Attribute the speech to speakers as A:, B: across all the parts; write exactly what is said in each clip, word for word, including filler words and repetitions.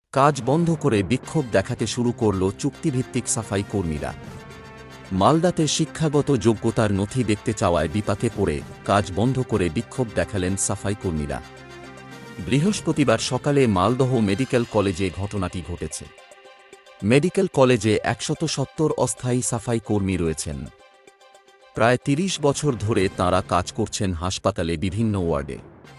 A: কাজ বন্ধ করে বিক্ষোভ দেখাতে শুরু করল চুক্তিভিত্তিক সাফাই কর্মীরা। মালদাতে শিক্ষাগত যোগ্যতার নথি দেখতে চাওয়ায় বিপাকে পড়ে কাজ বন্ধ করে বিক্ষোভ দেখালেন সাফাই কর্মীরা। বৃহস্পতিবার সকালে মালদহ মেডিকেল কলেজে ঘটনাটি ঘটেছে। মেডিকেল কলেজে একশত সত্তর অস্থায়ী সাফাই কর্মী রয়েছেন। প্রায় তিরিশ বছর ধরে তাঁরা কাজ করছেন হাসপাতালে বিভিন্ন ওয়ার্ডে।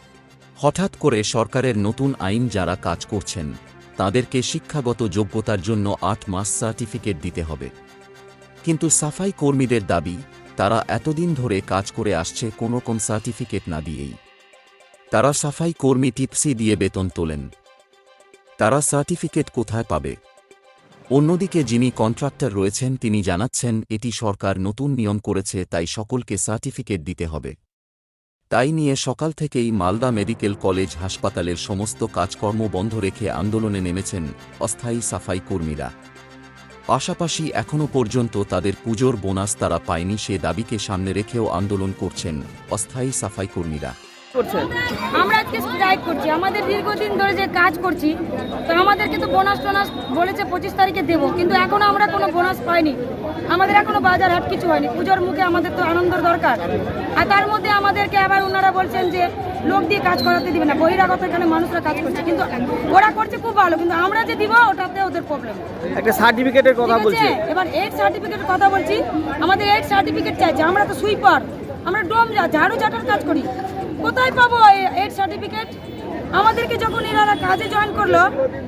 A: হঠাৎ করে সরকারের নতুন আইন যারা কাজ করছেন তাদেরকে শিক্ষাগত যোগ্যতার জন্য আট মাস সার্টিফিকেট দিতে হবে। কিন্তু সাফাই কর্মীদের দাবি, তারা এতদিন ধরে কাজ করে আসছে কোনো কোন সার্টিফিকেট না দিয়েই। তারা সাফাই কর্মী টিপসি দিয়ে বেতন তোলেন, তারা সার্টিফিকেট কোথায় পাবে? অন্যদিকে যিনি কন্ট্রাক্টর রয়েছেন তিনি জানাচ্ছেন এটি সরকার নতুন নিয়ম করেছে, তাই সকলকে সার্টিফিকেট দিতে হবে। তাই নিয়ে সকাল থেকেই মালদা মেডিকেল কলেজ হাসপাতালের সমস্ত কাজকর্ম বন্ধ রেখে আন্দোলনে নেমেছেন অস্থায়ী সাফাই কর্মীরা। পাশাপাশি এখনও পর্যন্ত তাদের পুজোর বোনাস তারা পায়নি, সে দাবিকে সামনে রেখেও আন্দোলন করছেন অস্থায়ী সাফাই কর্মীরা।
B: আমরা আজকে স্ট্রাইক করছি, আমাদের দীর্ঘদিন ধরে যে কাজ করছি, তো আমাদেরকে তো বোনাস টোনাস বলেছে পঁচিশ তারিখে দেবো, কিন্তু এখনো আমরা কোনো বোনাস পাইনি। আমাদের এখনো বাজার হাট কিছু হয়নি। পুজোর মুখে আমাদের তো আনন্দের দরকার, আর তার মধ্যে আমাদেরকে আবার ওনারা বলছেন যে লোক দিয়ে কাজ করাতে দিবে না, বহিরাগত এখানে মানুষরা কাজ করছে, কিন্তু ওরা করছে খুব ভালো, কিন্তু আমরা যে দিব ওটাতে ওদের প্রবলেম।
C: একটা সার্টিফিকেটের কথা বলছি,
B: এবার এইট সার্টিফিকেটের কথা বলছি, আমাদের এইট সার্টিফিকেট চাইছে। আমরা তো সুইপার, আমরা ডোম যা ঝাড়ু ঝাঁটার কাজ করি, কোথায় পাবো এইট সার্টিফিকেট? আমাদেরকে যখন এনারা কাজে জয়েন করলো,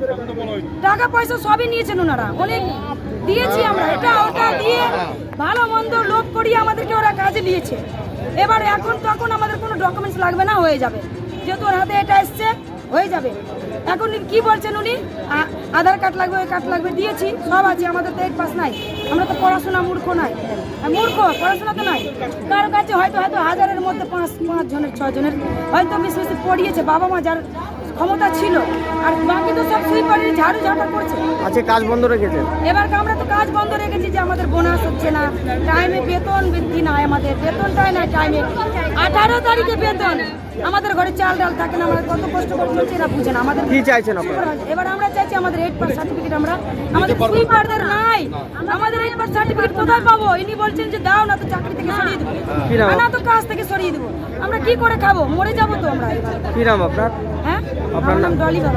B: টাকা পয়সা সবই নিয়েছেন ওনারা, অনেক দিয়েছি আমরা, এটা ওটা দিয়ে ভালো মন্দ লোভ করিয়ে আমাদেরকে ওরা কাজে দিয়েছে। এবার এখন তখন আমাদের কোনো ডকুমেন্টস লাগবে না, হয়ে যাবে, যেহেতু ওর হাতে এটা এসছে হয়ে যাবে। এখন কি বলছেন উনি, আধার কার্ড লাগবে, ওই কার্ড লাগবে, দিয়েছি, সব আছে, আমাদের তো এইট পাস নাই, আমরা তো পড়াশোনা মূর্খ নাই, মূর্খ পড়াশোনা তো নাই। কারো কাছে হয়তো হয়তো হাজারের মধ্যে পাঁচ পাঁচ জনের ছয় জনের হয়তো বেশি বেশি পড়িয়েছে, বাবা মা যার ক্ষমতা ছিল, আর বাকি তো সব সুইপারের ঝাড়ু ঝাঁটা করছে।
C: আচ্ছা, কাজ বন্ধ রেখেছে।
B: এবার আমরা তো কাজ বন্ধ রেখেছি যে আমাদের বোনাস হচ্ছে না, টাইমে বেতন বৃদ্ধি নাই, আমাদের বেতনটাই না টাইমে। আঠারো তারিখে বেতন, আমাদের ঘরে চাল ডাল থাকে না, আমাদের কত কষ্ট করে চলছে এরা বুঝে না। আমাদের
C: কি চাইছেন আপনারা?
B: এবার আমরা চাইছি আমাদের এইট পাস সার্টিফিকেট, আমরা আমাদের সুইপারদের নাই, আমাদের এইট পাস সার্টিফিকেট কোথায় পাবো? ইনি বলছেন যে দাও না তো চাকরি থেকে সরিয়ে দেবো, না তো কাজ থেকে সরিয়ে দেবো। আমরা কি করে খাবো? মরে যাবো তো আমরা।
C: কি নাম আপনার?
B: হ্যাঁ, আপনার নাম ডলি বাবা।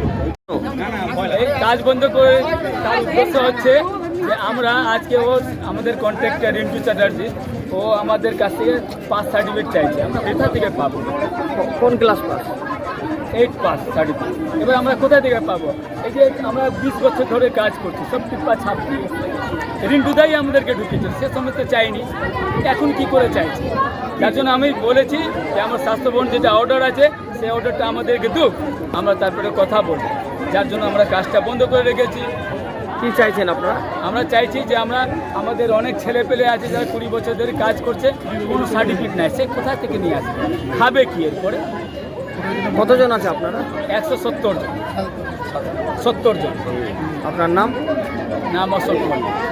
D: কাজ বন্ধ করে তার উদ্দেশ্য হচ্ছে যে আমরা আজকে ও আমাদের কন্ট্রাক্টর রিন্টু চ্যাটার্জি, ও আমাদের কাছ থেকে পাস সার্টিফিকেট চাইছে। আমরা কোথা থেকে পাবো?
C: কোন class pass?
D: Eight pass certificate. এবার আমরা কোথা থেকে পাবো? এই যে আমরা বিশ বছর ধরে কাজ করছি, সব টিপ্পা ছাপ দিয়ে রিন্টুদাই আমাদেরকে ঢুকেছে, সে সময় তো চাইনি, এখন কি করে চাইছি? যার জন্য আমি বলেছি যে আমার স্বাস্থ্যভবন যেটা অর্ডার আছে সেই অর্ডারটা আমাদেরকে দুক, আমরা তারপরে কথা বলবো। যার জন্য আমরা কাজটা বন্ধ করে রেখেছি।
C: কি চাইছেন আপনারা?
D: আমরা চাইছি যে আমরা আমাদের অনেক ছেলে পেলে আছে যারা কুড়ি বছর ধরে কাজ করছে, কোনো সার্টিফিকেট নাই, সে কোথা থেকে নিয়ে আসবে, খাবে কি এরপরে?
C: কতজন আছে আপনারা?
D: একশো সত্তর জন সত্তর জন।
C: আপনার নাম?
D: নাম অশোক কুমার।